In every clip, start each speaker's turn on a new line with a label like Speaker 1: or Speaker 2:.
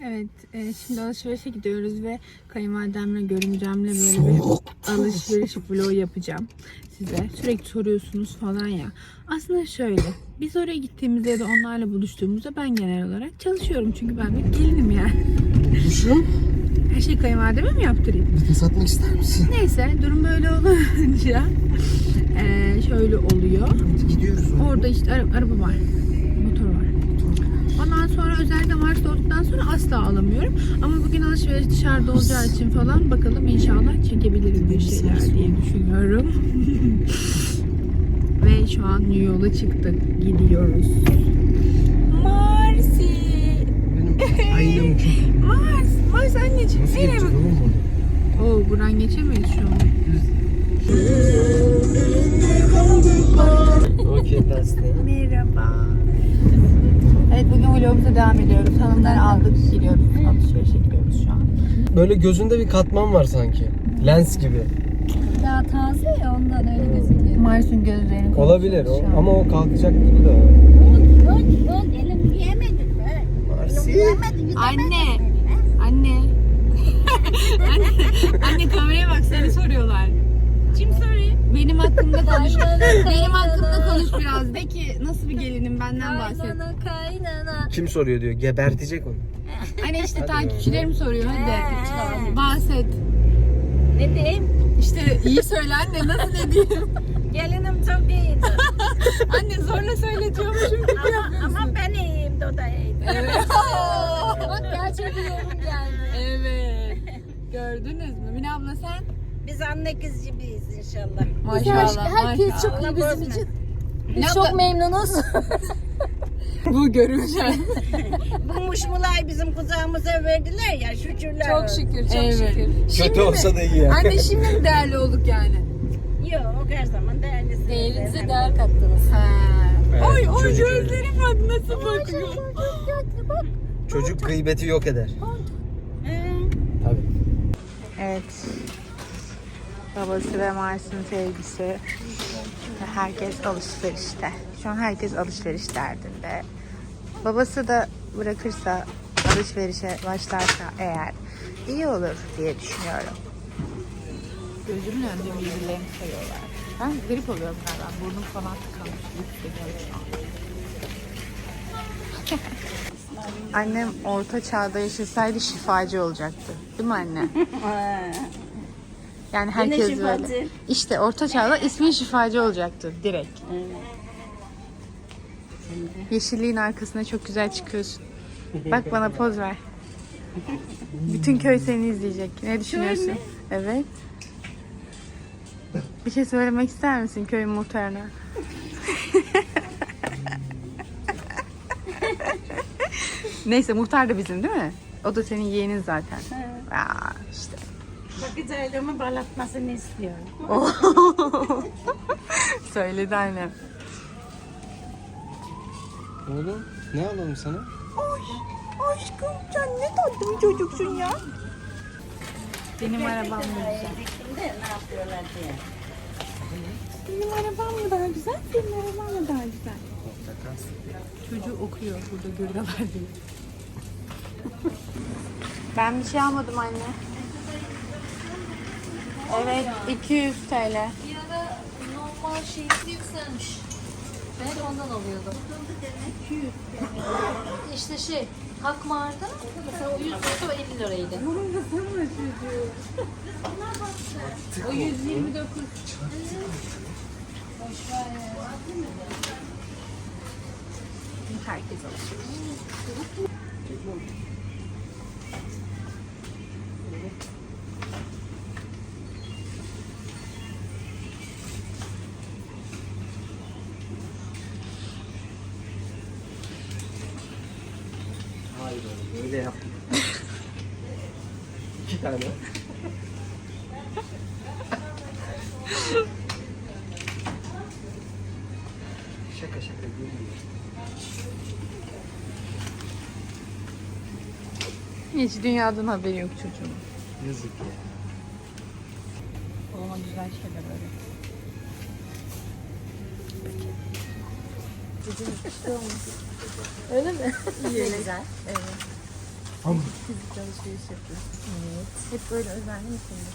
Speaker 1: Evet, şimdi alışverişe gidiyoruz ve kayınvalidemle, görümcemle böyle bir alışveriş vlogu yapacağım size. Sürekli soruyorsunuz falan ya. Aslında şöyle, biz oraya gittiğimizde ya da onlarla buluştuğumuzda ben genel olarak çalışıyorum. Çünkü ben bir gelinim yani.
Speaker 2: Buluşun.
Speaker 1: Her şeyi kayınvalideme mi yaptırayım?
Speaker 2: Vites atmak ister misin?
Speaker 1: Neyse, durum böyle olunca şöyle oluyor.
Speaker 2: Hadi gidiyoruz.
Speaker 1: Orada işte araba var, motor var. Ondan sonra özellikle Mars olduktan sonra asla alamıyorum. Ama bugün alışveriş dışarıda olacağı için falan bakalım inşallah çekebilirim bir şeyler diye düşünüyorum. Ve şu an yola çıktık. Gidiyoruz. Marsi!
Speaker 2: Benim aynam çok.
Speaker 1: Mars anneciğim.
Speaker 2: Nasıl
Speaker 1: Nereye
Speaker 2: geçeceğiz
Speaker 1: bak?
Speaker 2: oğlum bunu?
Speaker 1: Oo, buradan geçemeyiz şu an.
Speaker 2: Okay, that's the...
Speaker 1: Merhaba. Evet, bugün vlogumuza devam ediyoruz. Hanımları aldık, gidiyoruz. Alışverişe gidiyoruz şu an.
Speaker 2: Böyle gözünde bir katman var sanki. Lens gibi.
Speaker 3: Daha taze ya ondan öyle gözüküyor.
Speaker 1: Mars'ın gözlerini
Speaker 2: Olabilir
Speaker 1: konuşuyoruz şu an.
Speaker 2: ama o kalkacak gibi de.
Speaker 3: Ön elim yiyemedim be.
Speaker 2: Marsi.
Speaker 1: Anne. Anne. Anne kameraya bak, seni soruyorlar.
Speaker 3: Kim soruyor?
Speaker 1: Benim hakkımda konuş.
Speaker 3: Kaynana,
Speaker 1: Benim hakkımda
Speaker 3: kaynana.
Speaker 1: konuş biraz. De ki nasıl bir gelinim, benden bahset.
Speaker 3: Kaynana.
Speaker 2: Kim soruyor diyor. Gebertecek onu.
Speaker 1: Anne işte
Speaker 2: Hadi
Speaker 1: takipçilerim soruyor, hadi. Bahset.
Speaker 3: Ne diyeyim?
Speaker 1: İşte iyi söyle anne, nasıl ne diyeyim?
Speaker 3: Gelinim çok iyiydi.
Speaker 1: Anne zorla söyletiyormuşum gibi yapıyorsun.
Speaker 3: Ama ben iyiyim, o da iyiydi.
Speaker 1: Evet.
Speaker 3: Bak gerçek bir yorum geldi.
Speaker 1: Evet. Gördünüz mü? Mine abla sen?
Speaker 3: Biz anne kız gibiyiz inşallah.
Speaker 1: Maşallah.
Speaker 3: Herkes
Speaker 1: maşallah.
Speaker 3: çok iyi bizim
Speaker 1: Allah
Speaker 3: için.
Speaker 1: Mine
Speaker 3: Biz
Speaker 1: abla,
Speaker 3: çok memnunuz.
Speaker 1: bu görünce.
Speaker 3: Bu muşmulayı bizim kucağımıza verdiler ya, şükürler.
Speaker 1: Çok şükür, çok şükür.
Speaker 2: Kötü olsa da iyi yani.
Speaker 1: Anne şimdi mi değerli olduk yani?
Speaker 3: Yok, her zaman değerlisi.
Speaker 4: Değerinize değer kattınız.
Speaker 2: Evet,
Speaker 1: Oy oy
Speaker 2: çocuk
Speaker 1: gözlerim bak nasıl bakıyor.
Speaker 2: Çocuk gıybeti yok eder. Tabii.
Speaker 1: Evet. Babası ve Mars'ın sevgisi. Herkes alışverişte. Şu an herkes alışveriş derdinde. Babası da bırakırsa, alışverişe başlarsa eğer iyi olur diye düşünüyorum. Gözümün önünde birbirlerini sayıyorlar. Ben grip oluyorum galiba. Burnum falan tıkanmış. Annem orta çağda yaşasaydı şifacı olacaktı. Değil mi anne? Yani herkes
Speaker 3: Yine
Speaker 1: böyle.
Speaker 3: şifacı.
Speaker 1: İşte orta çağda ismin şifacı olacaktı direkt. Yeşilliğin arkasına çok güzel çıkıyorsun. Bak bana poz ver. Bütün köy seni izleyecek. Ne düşünüyorsun? Evet. Bir şey söylemek ister misin köyün muhtarına? Neyse, muhtar da bizim değil mi? O da senin yeğenin zaten. Aa, işte.
Speaker 3: Bakıcıylığımı balatmasını istiyorum.
Speaker 1: Söyledi annem.
Speaker 2: Oğlum ne alalım sana?
Speaker 1: Aşkım sen ne tatlı bir çocuksun ya. Benim arabam mı güzel?
Speaker 3: Şimdi ne yapıyorlar diye.
Speaker 1: Benim arabam mı daha güzel? Senin araban mı daha güzel? Çocuğu okuyor burada görüyorlar diye. Ben bir şey almadım anne. Evet, 200 TL.
Speaker 4: Bir ara normal şeysi yükselmiş. Ben hep ondan alıyordum. 200. İşte şey, Hakmar'da mesela o 100 lirası o 50 liraydı.
Speaker 1: O 129.
Speaker 4: Boş ver ya.
Speaker 1: Herkes alışveriş.
Speaker 2: Hayır oğlum öyle yapma. 2 tane. Şaka şaka gülmüyor.
Speaker 1: Hiç dünyadan haberi yok çocuğun.
Speaker 2: Yazık ya.
Speaker 1: Babama güzel şeyler öyle.
Speaker 4: Öyle mi?
Speaker 1: İyi.
Speaker 4: Güzel.
Speaker 1: Evet. Fizik alışveriş yapıyorsun. Evet. Hep böyle özenli misin?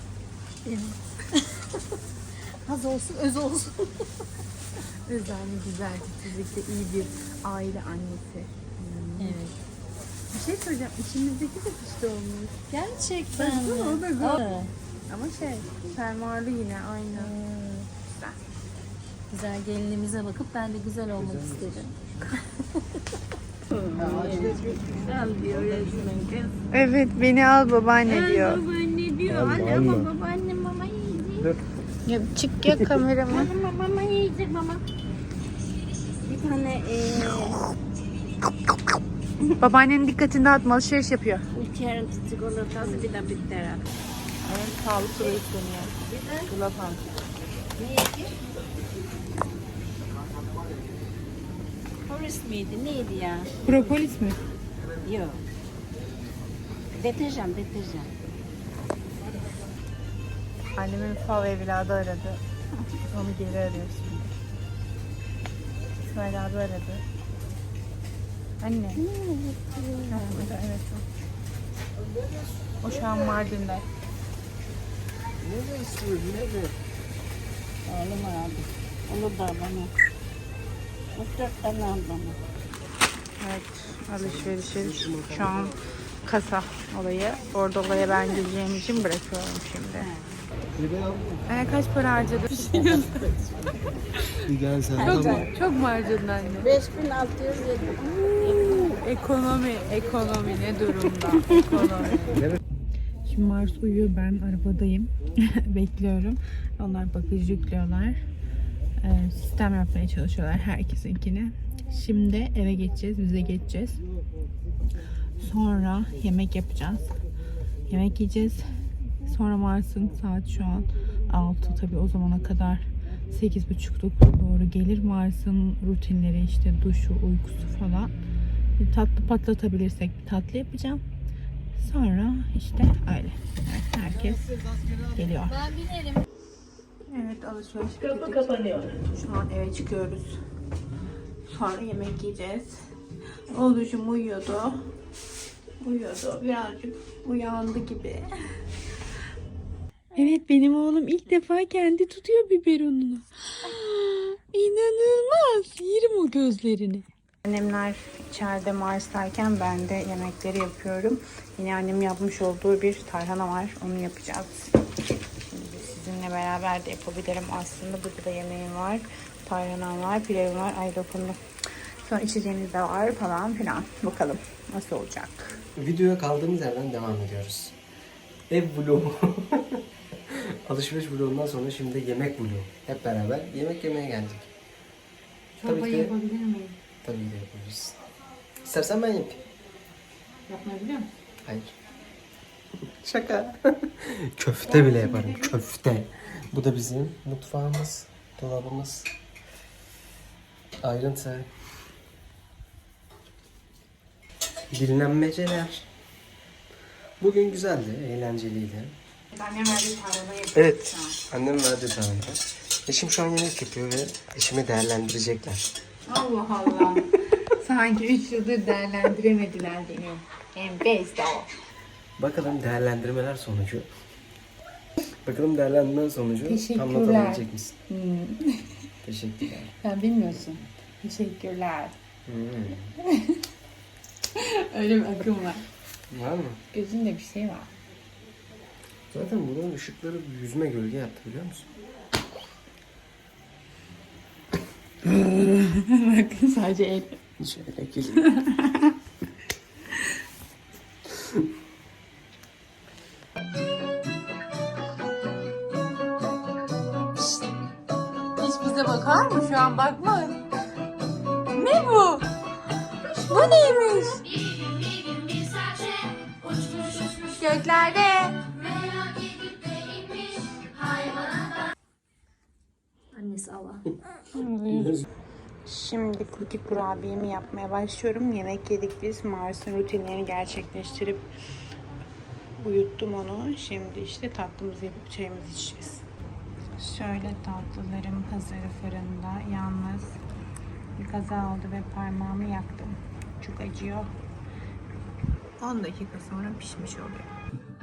Speaker 4: Az olsun, öz olsun.
Speaker 1: Özenli, güzel, fizikte iyi bir aile annesi.
Speaker 4: Evet.
Speaker 1: Bir şey söyleyeceğim. İçimizdeki de pişti olmuş.
Speaker 4: Gerçekten mi?
Speaker 1: O da güzel.
Speaker 4: Aa,
Speaker 1: Ama fermuarlı yine aynı. Güzel.
Speaker 4: güzel gelinimize bakıp ben de güzel olmak istedim.
Speaker 3: Al diyor resmen kız.
Speaker 1: Evet, beni al babaanne diyor.
Speaker 3: Babaanne diyor. Anne ama babaanne mama yiyecek.
Speaker 1: Ya, çık ya kamerama.
Speaker 3: Mama yiyecek mama. Bir tane
Speaker 1: Babaannenin dikkatini dağıtma, alışveriş yapıyor.
Speaker 3: uçarın çikolatası bir de bitter.
Speaker 1: Evet, sağlıklı besleniyor. Gulapan.
Speaker 3: Ne yedi? Horace miydi? Neydi ya?
Speaker 1: Propolis mi?
Speaker 3: Yok. Deterjan.
Speaker 1: Annemin fav evladı aradı. Onu geri arıyor şimdi. İsmail abi aradı. Anne. Ha, evet. O şu an Mardin'de.
Speaker 2: Ne istiyorsun? Ne?
Speaker 3: Oğlum abi. Onu da bana. 4 tane al bana.
Speaker 1: Evet, alışverişi şu an kasa olayı. Orada olaya ben gireceğim için bırakıyorum şimdi. Kaç para harcadın?
Speaker 2: Gel sen tamam.
Speaker 1: Çok mu harcadın anne?
Speaker 3: 5607.
Speaker 1: Ekonomi ne durumda? Ekonomi. Şimdi Mars uyuyor, ben arabadayım. Bekliyorum. Onlar bagajı yüklüyorlar. Sistem yapmaya çalışıyorlar herkesinkini. Şimdi eve geçeceğiz, bize geçeceğiz. Sonra yemek yapacağız. Yemek yiyeceğiz. Sonra Mars'ın saat şu an 6, tabii o zamana kadar 8.30'da doğru gelir. Mars'ın rutinleri işte duşu, uykusu falan. Bir tatlı patlatabilirsek bir tatlı yapacağım. Sonra işte öyle. Evet, herkes geliyor.
Speaker 4: Ben binerim.
Speaker 1: Evet, alışveriş kapı kapanıyor. Şu an eve çıkıyoruz. Sonra yemek yiyeceğiz. Oğlucum uyuyordu. Birazcık uyandı gibi. Evet, benim oğlum ilk defa kendi tutuyor biberonunu. İnanılmaz. Yerim o gözlerini. Annemler içeride Mars'tayken ben de yemekleri yapıyorum. Yine annem yapmış olduğu bir tarhana var. Onu yapacağız. Şimdi sizinle beraber de yapabilirim aslında. Burada da yemeğim var. Tarhanam var, pilavım var. Ay dokundum. Sonra içeceğimiz de var falan filan. Bakalım nasıl olacak.
Speaker 2: Videoya kaldığımız yerden devam ediyoruz. Ev vlogu. Alışveriş vlogundan sonra şimdi yemek vlogu. Hep beraber yemek yemeye geldik.
Speaker 4: Çorbayı yapabilir miyim?
Speaker 2: Tabii ki de yapabiliriz. İstersen ben yapayım.
Speaker 4: Yapmayı biliyor musun?
Speaker 2: Hayır. Şaka. Köfte bile yaparım. Köfte. Bu da bizim mutfağımız, dolabımız. Ayrıntı. Dinlenmeceler. Bugün güzeldi, eğlenceliydi.
Speaker 1: Annem verdiği tarhanayı yapıyor.
Speaker 2: Evet, annem verdi tarhana. Eşim şu an yemek yapıyor ve eşimi değerlendirecekler.
Speaker 1: Allah Allah. Sanki 3 yıldır değerlendiremediler beni. Enfes de o.
Speaker 2: Bakalım değerlendirmeler sonucu. Bakalım değerlendirmeler sonucu
Speaker 1: Teşekkürler.
Speaker 2: anlatabilecek misin? Teşekkürler.
Speaker 1: Sen bilmiyorsun. Teşekkürler.
Speaker 2: Hmm.
Speaker 1: Öyle bir akım var.
Speaker 2: Var mı?
Speaker 1: Gözünde bir şey var.
Speaker 2: Zaten bunun ışıkları yüzüme gölge yaptı biliyor musun?
Speaker 1: Bakın sadece el.
Speaker 2: Şöyle geleyim.
Speaker 1: Hiç bize bakar mı şu an? Bakma. Ne bu? Bu neymiş? Göklerde.
Speaker 4: Annesi Allah.
Speaker 1: Şimdi cookie kurabiyemi yapmaya başlıyorum. Yemek yedik biz. Mars'ın rutinlerini gerçekleştirip uyuttum onu. Şimdi işte tatlımızı yapıp çayımızı içeceğiz. Şöyle tatlılarım hazır fırında. Yalnız bir kaza oldu ve parmağımı yaktım. Çok acıyor. 10 dakika sonra pişmiş oluyor.